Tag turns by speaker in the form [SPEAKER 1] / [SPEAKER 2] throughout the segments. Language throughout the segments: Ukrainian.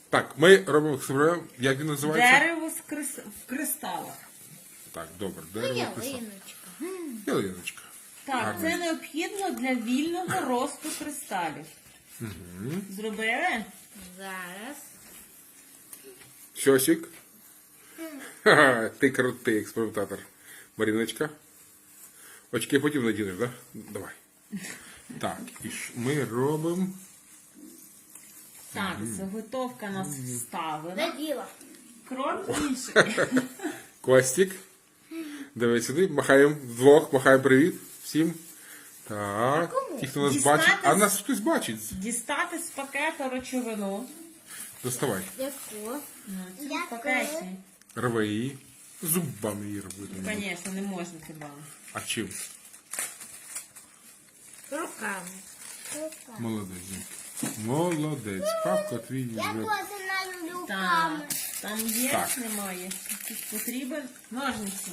[SPEAKER 1] Так, ми робимо експеримент, як він називається?
[SPEAKER 2] Дерево в кристалах.
[SPEAKER 1] Так, добре, дерево кристал.
[SPEAKER 3] Ялиночка.
[SPEAKER 1] Ялиночка.
[SPEAKER 2] Так,
[SPEAKER 1] Гарно.
[SPEAKER 2] це необхідно для вільного росту кристалів. Зробили?
[SPEAKER 3] Зараз.
[SPEAKER 1] Щосік. Ха-ха, ти крутий експериментатор. Маріночка. Очки потім надінеш, так? Да? Давай. Так, і ми робимо...
[SPEAKER 2] Так, заготовка нас вставлена.
[SPEAKER 3] Наділа.
[SPEAKER 2] Крок інший.
[SPEAKER 1] Костік. Дивись сюди, махаємо вдвох, махаємо привіт всім. Так, ті, хто нас
[SPEAKER 2] Дістатись.
[SPEAKER 1] бачить. А нас хтось бачить.
[SPEAKER 2] Дістати з пакета речовину.
[SPEAKER 1] Доставай.
[SPEAKER 3] Яку?
[SPEAKER 2] В пакеті.
[SPEAKER 1] Рви її. Зубами її робити.
[SPEAKER 2] Звісно, не можна хіба.
[SPEAKER 1] А чим?
[SPEAKER 3] Руками.
[SPEAKER 1] Молодець. Молодець. Папка твій
[SPEAKER 3] Я
[SPEAKER 1] вже.
[SPEAKER 3] теж люблю
[SPEAKER 2] Так,
[SPEAKER 3] руками.
[SPEAKER 2] там є,
[SPEAKER 1] Так.
[SPEAKER 2] немає. Тут потрібен ножниці.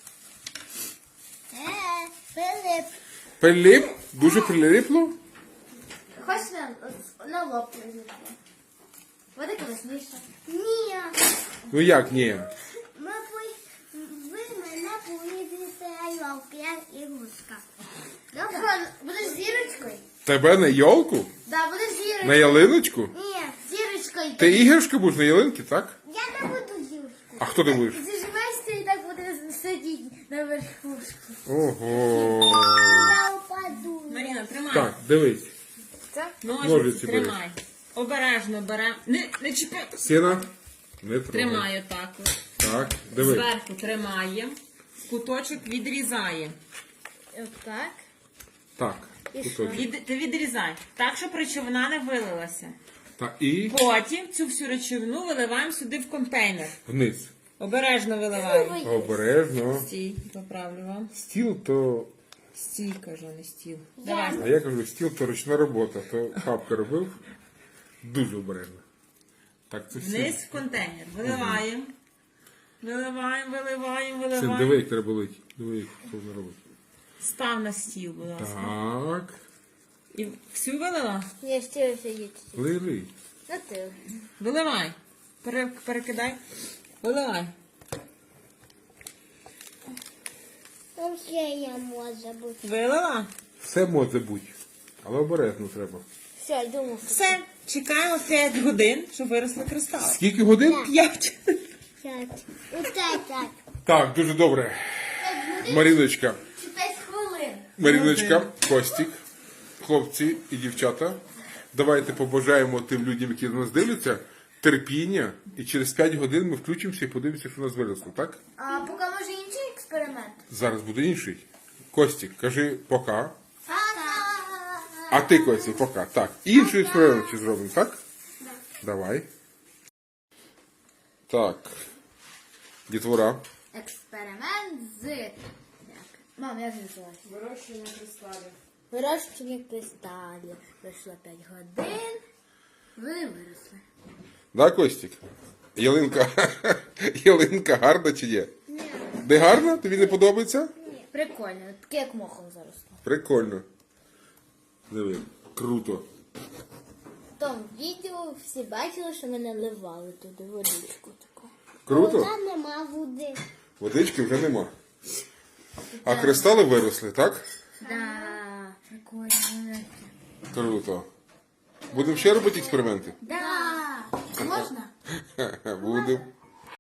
[SPEAKER 3] Филип.
[SPEAKER 1] Прилип? Дуже прилипло?
[SPEAKER 3] Хоч на лоб прилипне. Буде класніше. Ні.
[SPEAKER 1] Ну як ні?
[SPEAKER 3] Ви мене поїдете йолки, я ігрушка. Добре? Будеш зірочкою?
[SPEAKER 1] Тебе на йолку?
[SPEAKER 3] Да, будеш зірочкою.
[SPEAKER 1] На ялиночку?
[SPEAKER 3] Ні, зірочкою.
[SPEAKER 1] Ти іграшка будеш на ялинці, так?
[SPEAKER 3] Я не буду зірочкою.
[SPEAKER 1] А хто ти будеш?
[SPEAKER 3] Заживешся і так буде сидіти на верхушці.
[SPEAKER 1] Ого.
[SPEAKER 3] Я упаду.
[SPEAKER 2] Маріна, тримай.
[SPEAKER 1] Так, дивись.
[SPEAKER 2] Ножиці
[SPEAKER 1] Ножиці
[SPEAKER 2] тримай. Обережно беремо. Не чіпай.
[SPEAKER 1] Сіна. Не трогай.
[SPEAKER 2] Тримай отак. от.
[SPEAKER 1] Так, дивись.
[SPEAKER 2] Зверху тримаємо. Куточок відрізаємо.
[SPEAKER 3] Отак.
[SPEAKER 1] Так.
[SPEAKER 3] І
[SPEAKER 1] кусочок.
[SPEAKER 2] Ти відрізай. Так, щоб речовина не вилилася.
[SPEAKER 1] Так, і
[SPEAKER 2] Потім цю всю речовину виливаємо сюди в контейнер.
[SPEAKER 1] вниз.
[SPEAKER 2] Обережно виливаємо.
[SPEAKER 1] Обережно.
[SPEAKER 2] Стій, поправлю вам.
[SPEAKER 1] Стіл то...
[SPEAKER 2] Стій, кажу, не стіл. Давай.
[SPEAKER 1] А я кажу, стіл то ручна робота. То папка робив. Дуже обережно. Так, це
[SPEAKER 2] Вниз
[SPEAKER 1] все.
[SPEAKER 2] в контейнер. Виливаємо. Виливаємо, виливаємо,
[SPEAKER 1] Син,
[SPEAKER 2] виливаємо.
[SPEAKER 1] диви, як треба лить. Диви, як це вона робить.
[SPEAKER 2] Став на стіл, будь ласка.
[SPEAKER 1] Так.
[SPEAKER 2] І всю вилила?
[SPEAKER 3] Я ще сидіти.
[SPEAKER 1] Лили.
[SPEAKER 3] На ти.
[SPEAKER 2] Виливай. Перекидай. Виливай.
[SPEAKER 3] Там ще я можу бути.
[SPEAKER 2] Вилила?
[SPEAKER 1] Все може бути. Але обережно треба.
[SPEAKER 3] Все, йдемо.
[SPEAKER 2] Все. Чекаємо 5 годин, щоб виросли кристали.
[SPEAKER 1] Скільки годин?
[SPEAKER 2] 5.
[SPEAKER 3] 5. Оце так.
[SPEAKER 1] Так, дуже добре. Маріночка.
[SPEAKER 3] 5 хвилин.
[SPEAKER 1] Маріночка, Костік, хлопці і дівчата. Давайте побажаємо тим людям, які на нас дивляться, терпіння. І через 5 годин ми включимося і подивимося, що у нас виросло, так?
[SPEAKER 3] А поки може інший експеримент?
[SPEAKER 1] Зараз буде інший. Костік, кажи пока.
[SPEAKER 3] Пока.
[SPEAKER 1] А ти, Костік, пока. Так, інший експеримент ще зробимо, так? Давай. Так. Дітвора.
[SPEAKER 3] Експеримент з... Мам, як називається?
[SPEAKER 2] Вирощування кристалів.
[SPEAKER 3] Вирощування кристалів. Пройшло 5 годин. Ви виросли.
[SPEAKER 1] Да, Костік? Ялинка. Ялинка гарна чи ні?
[SPEAKER 3] Ні.
[SPEAKER 1] Де гарна? Тобі не подобається?
[SPEAKER 3] Прикольно. Таке як мохом заросло.
[SPEAKER 1] Прикольно. Диви, круто.
[SPEAKER 3] В тому відео всі бачили, що ми наливали туди водичку таку.
[SPEAKER 1] Круто?
[SPEAKER 3] Там нема води.
[SPEAKER 1] Водички вже нема. А кристали виросли, так?
[SPEAKER 3] Да, прикольно.
[SPEAKER 1] Круто. Будемо ще робити експерименти?
[SPEAKER 3] Да. Можна?
[SPEAKER 1] Будемо.